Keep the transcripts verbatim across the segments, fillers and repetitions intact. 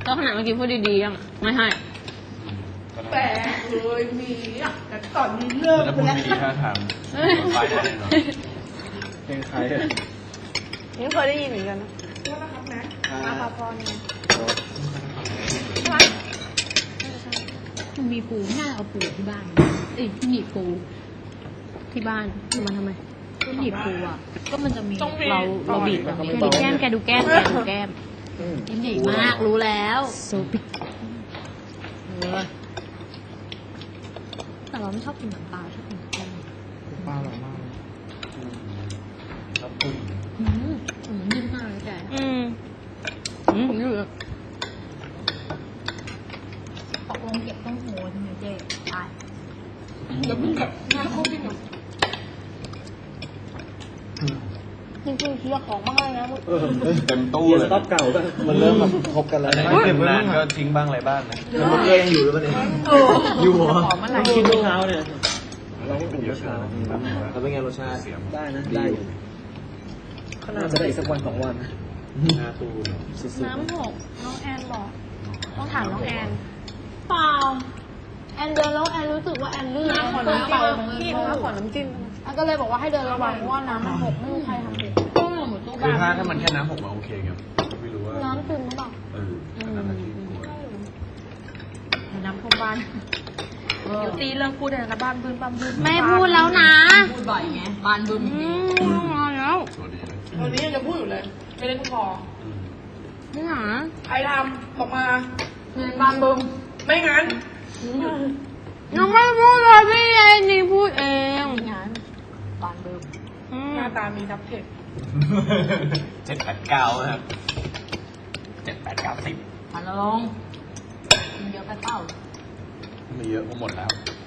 แล้วขนาดเมื่อกี้พูดดีๆยังไม่ให้แต่เคยมีอ่ะแต่ตอนนี้เลิกแล้วไปพูดแล้วไม่ดีท่าทางไปได้แน่นอนเพลงใครอ่ะนี่เคยได้ยินเหมือนกันนะก็นะครับนะอาภาพรเนี่ยมันมีปูน่าเอาปูที่บ้านเอ้ยหนีบปูที่บ้านเอามาทำไมหนีบปูอ่ะก็มันจะมีเราเราบีบแบบนี้แกดูแก้มแกดูแก้มแกดูแก้มยิ้มใหญ่มากรู้แล้วโซบิแต่เราไม่ชอบกินน้ำปลาชอบกินแก้มป้าหล่อมากครับคุณอืมอืมนิ่มมากเลยแกอืมอืมผมอยู่ตกลงเก็บต้องโหใช่ไหมเจ๊ตายเดี๋ยวมึงแบบหน้าเข้าที่หมดจริงๆเคลียร์ของมากเลยนะเต็มตู้เกียเลร์ยสต็อกเก่าก็มันเริ่มแบบครบกันแล้วอันไหนนะเก็บนานก็ทิ้งบ้างอะไรบ้างนะแล้วมันก็ยังอยู่หรือเปล่าเนี่ยอยู่เหรอของเมื่อไหร่คิดเมื่อเช้าเนี่ยเราก็อุ่นเมื่อเช้าแล้วเป็นไงรสชาติได้นะได้อยู่ขนาดจะได้อีกสักวันสองวันหน้าตู้เนอะสุดน้ำหกน้องแอนบอกต้องถามน้องแอนเปล่าแอนเดินแล้วแอนรู้สึกว่าแอนลื่นน้ำขอน้ำเปล่าของพี่พี่น้ำขอน้ำจิ้มแอนก็เลยบอกว่าให้เดินระวังเพราะว่าน้ำมันหกไม่มีใครทำผิดก็หมดตู้คือบ้านถ้าถ้ามันแค่น้ำหกมาโอเคไงไม่รู้ว่าน้ำซึมหรือเปล่าเอออันนั้นน่ะที่กลัวน้ำท่วมบ้านเดี๋ยวตีเลิกพูดเลยนะบ้านบึ้นบ้านบึ้นไม่พูดแล้วนะพูดบ่อยไงบานบึ้มอืมมาแล้วตัวดีเลยวันนี้ยังจะพูดอยู่เลยไม่เล่นพออืมนี่หรอใครทำบอกมาเงินบานบึมไม่งั้นยังไม่พูดเลยพี่เอนี่พูดเองงานบานบึ้มอืมหน้าตามีนับเทคเจ็ดแปดเก้านะครับเจ็ดแปดเก้าสิบพันละลงกินเยอะไปเปล่ามีเยอะก็หมดแล้ว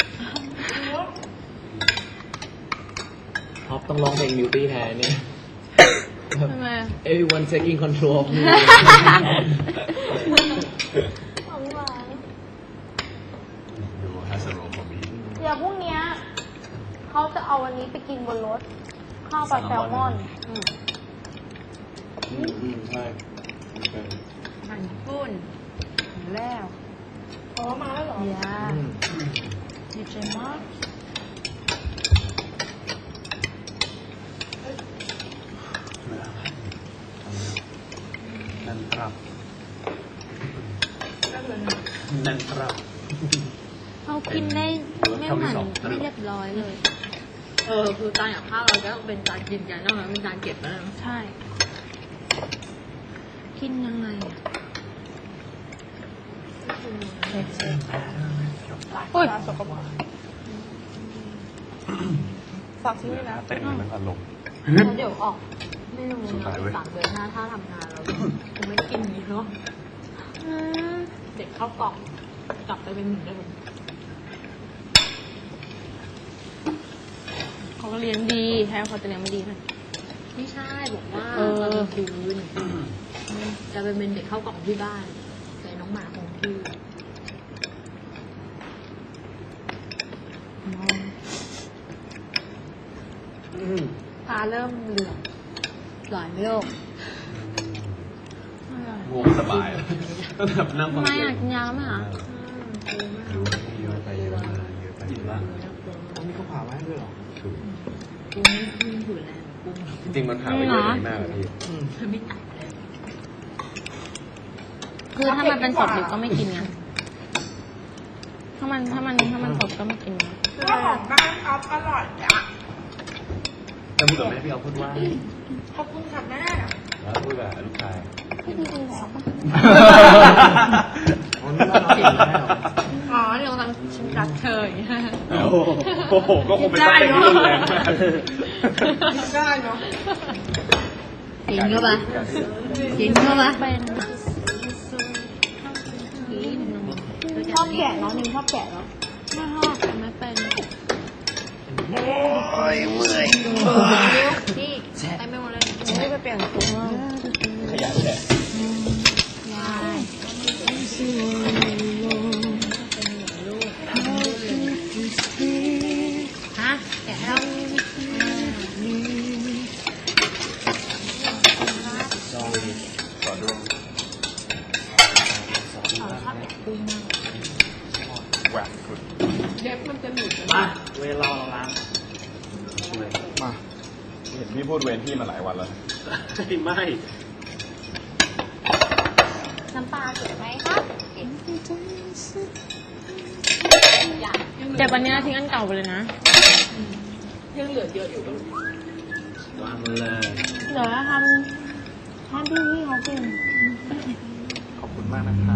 ๆท็อปต้องร้องเพลง Beauty แทนเนี่ยทำไม Everyone taking control of me ดูฮัสโรคอมมีเดี๋ยวพรุ่งเนี้ยเขาจะเอาวันนี้ไปกินบนรถ ข้าวปลาแซลมอนอืมอืมอืมใช่เป็นอาหารญี่ปุ่นแล้วอ๋อมาแล้วเหรอยาดีใจมากนั่นครับได้เลยนะนั่นครับเขากินได้ไม่เหมือนไม่เรียบร้อยเลย เออคือจานกับข้าวเราจะต้องเป็นจานกินกันนอกนั้นเป็นจานเก็บแล้วนะใช่กินยังไงอะโอ้ยสกปรกฝากชิ้นนี้นะเต้นเหมือนอารมณ์แล้วเดี๋ยวออกไม่รู้สุดนะท้ายเว้ยสามเดือนหน้าถ้าทำงานเราคงไม่กินนี้เนาะอืมเด็กเข้ากล่องกลับไปเป็นเหมือนเดิมเขาก็เลี้ยงดีแท้เขาจะเลี้ยงไม่ดีค่ะไม่ใช่บอกว่าเออตอนกลางคืนจะไปเป็นเด็กเข้ากล่องที่บ้านแต่น้องหมาคงที่ตาเริ่มเหลืองหลายโลกง่วงสบายต้องแบบนั่งฟังไม่เพลอยากงกินยาไหมคะเยอะไปเยอะมาเยอะไปเยอะมาต้องมีข้าวผ่าไว้ให้ด้วยเหรอถูกกุ้งกุ้งอยู่แล้วกุ้งจริงๆมันผ่านไปเยอะดีมากเลยพี่เธอไม่ตัดเลยคือถ้ามันเป็นสดดิบก็ไม่กินไงถ้ามันถ้ามันถ้ามันสดก็ไม่กินไงก็ของบ้านออฟอร่อยอ่ะแล้วพูดกับแม่พี่เอาพูดว่าขอบคุณค่ะแม่แล้วพูดกับลูกชายพี่ดีดีแล้วปะอ๋อนี่เราเก่งแล้วอ๋อเดี๋ยวกำลังชิมรักเธออย่างเงี้ยโอ้โหก็คงเป็นต้องเป็นที่รุนแรงมากกินได้เนาะกินเข้าไปกินเข้าไปเป็นชอบแกะเนาะนิมชอบแกะเนาะไม่ชอบแต่ไม่เป็นโอ้ยเมื่อยพี่ไปไม่หมดเลยไม่ไปเปลี่ยนตัวขยันแหละยาย ฮะแกะแล้วขอดูสปุ้งมากแหวกสุดเล็บมันจะหลุดมาเวลาเราล้างมาเห็นพี่พูดเวรพี่มาหลายวันแล้วไม่น้ำปลาเก็บไหมครับเก็บอย่างแต่วันนี้ทิ้งอันเก่าไปเลยนะยังเหลือเยอะอยู่ก็วางเลยเดี๋ยวทำทำพี่พี่เขากินขอบคุณมากนะครับ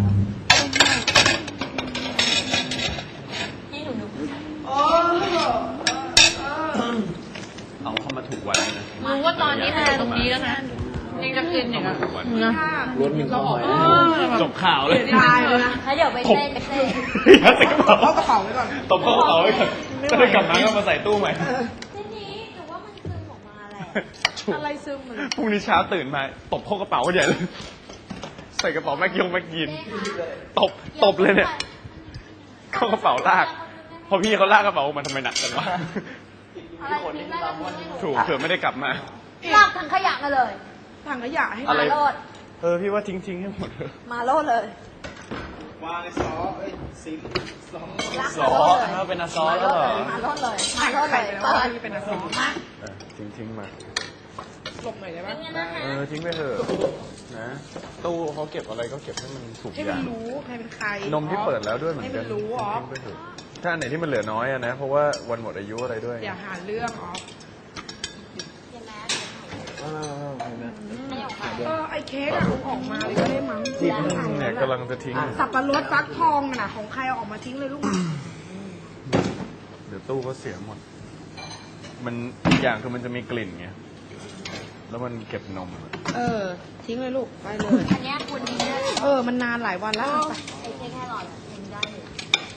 นี่หนูดูโอ้เออเอาเข้ามาถูกวันนะรู้ว่าตอนนี้มันอยู่ตรงนี้แล้วนะยังจะกินอย่างเงี้ยนะรสมีความหมายจบข่าวเลยตายเลยนะแล้วเดี๋ยวไปเต้นไปเต้นยัดใส่กระเป๋าเอากระเป๋าไว้ก่อนตบเข้ากระเป๋าไว้ก่อนจะได้กลับมาก็มาใส่ตู้ใหม่ทีนี้หนูว่ามันซึมออกมาแหละอะไรซึมเหมือนพรุ่งนี้เช้าตื่นมาตบเข้ากระเป๋าก็ใหญ่เลย ใส่กระเป๋าแม็กยงแม็กยินตบตบเลยเนี่ย เข้ากระเป๋าลาก พอพี่เขาลากกระเป๋ามาทำไมหนักจังวะอะไรทิ้งได้แล้วทิ้งให้หนูถูกเผื่อไม่ได้กลับมาลากถังขยะมาเลยถังขยะให้อะไรมาโลดเออพี่ว่าทิ้งทิ้งให้หมดเถอะมาโลดเลยวางในซอเอ้ยซิมซอลากซมาอโลดเลยถ้าเป็นอาซอมาแล้วโลดเหรเลอยมาโลดเลยถัมาง โลดไปเลยแล้วเปิดที่เป็นอาสมาเออทิ้งทิ้งมาหลบหน่อยได้ปะเป็นไงนะคะเออทิ้งไปเถอะนะตู้เขาเก็บอะไรก็เก็บให้มันถูกให้อมัย่าน งรู้ใครเป็นใครนมที่เปิดแล้วด้วยเหมือนกันให้มันรู้อ๋อทิ้งไปเถอะถ้าอันไหนที่มันเหลือน้อยอะนะ เพราะว่าวันหมดอายุอะไรด้วยอย่าหาเรื่องอ๋อเห็นไหมอ้าวเห็นไหมไม่ออกมาเออไอ้เค้กอะเอาออกมาเลยก็ได้มั้งที่เนี่ยกำลังจะทิ้งสับปะรดฟักทองน่ะของใครเอาออกมาทิ้งเลยลูกเดี๋ยวตู้ก็เสียหมด มันอีกอย่างคือมันจะมีกลิ่นไง แล้วมันเก็บนมอะเออ ทิ้งเลยลูกไปเลยอันเนี้ยคุณทิ้งได้เลยเออ มันนานหลายวันแล้วไปไอ้เค้กแค่หลอดอะทิ้งได้เลย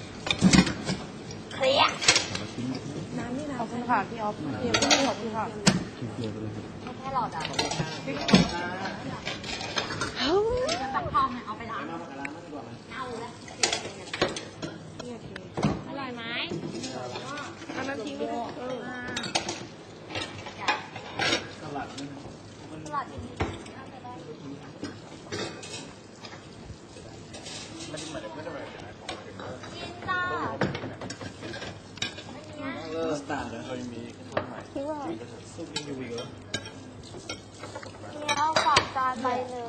เคลียร์ขอบคุณค่ะพี่ออฟพี่ขอบคุณค่ะแค่หลอดอ่ะตักทองเอาไปล้างเอาแล้วอร่อยไหมอันนั้นทิ้งเลยเออสลัดอย่างนี้กินจ้าเลิกสตาร์ทแล้วเคยมีข้าวใหม่ซุปยังอยู่อีกเหรอแล้วฝากจานไปเลย